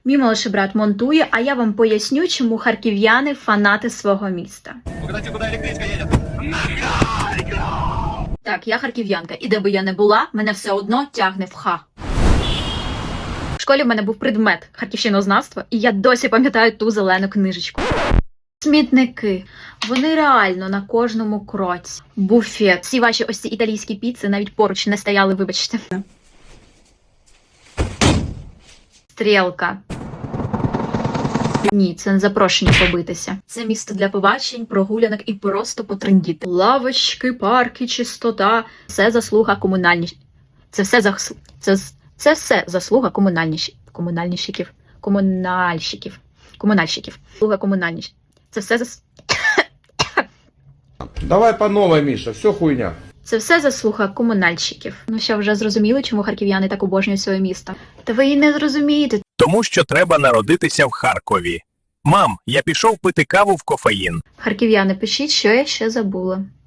Мій молодший брат монтує, а я вам поясню, чому харків'яни фанати свого міста. Угадайте, куди електричка їде? Так, я харків'янка, і де би я не була, мене все одно тягне в ха. В школі в мене був предмет харківщинознавства, і я досі пам'ятаю ту зелену книжечку. Смітники. Вони реально на кожному кроці. Буфет. Всі ваші ось ці італійські піци навіть поруч не стояли, вибачте. Стрілка. Ні, це не запрошення побитися. Це місто для побачень, прогулянок і просто потрендіти. Лавочки, парки, чистота. Це заслуга Це все заслуга комунальщиків. Заслуга комунальщиків. Це все Давай по новой, Миша, все хуйня. Це все заслуга комунальщиків. Ну що, вже зрозуміли, чому харків'яни так обожнюють своє місто? Та ви і не зрозумієте. Тому що треба народитися в Харкові. Мам, я пішов пити каву в кофеїн. Харків'яни, пишіть, що я ще забула.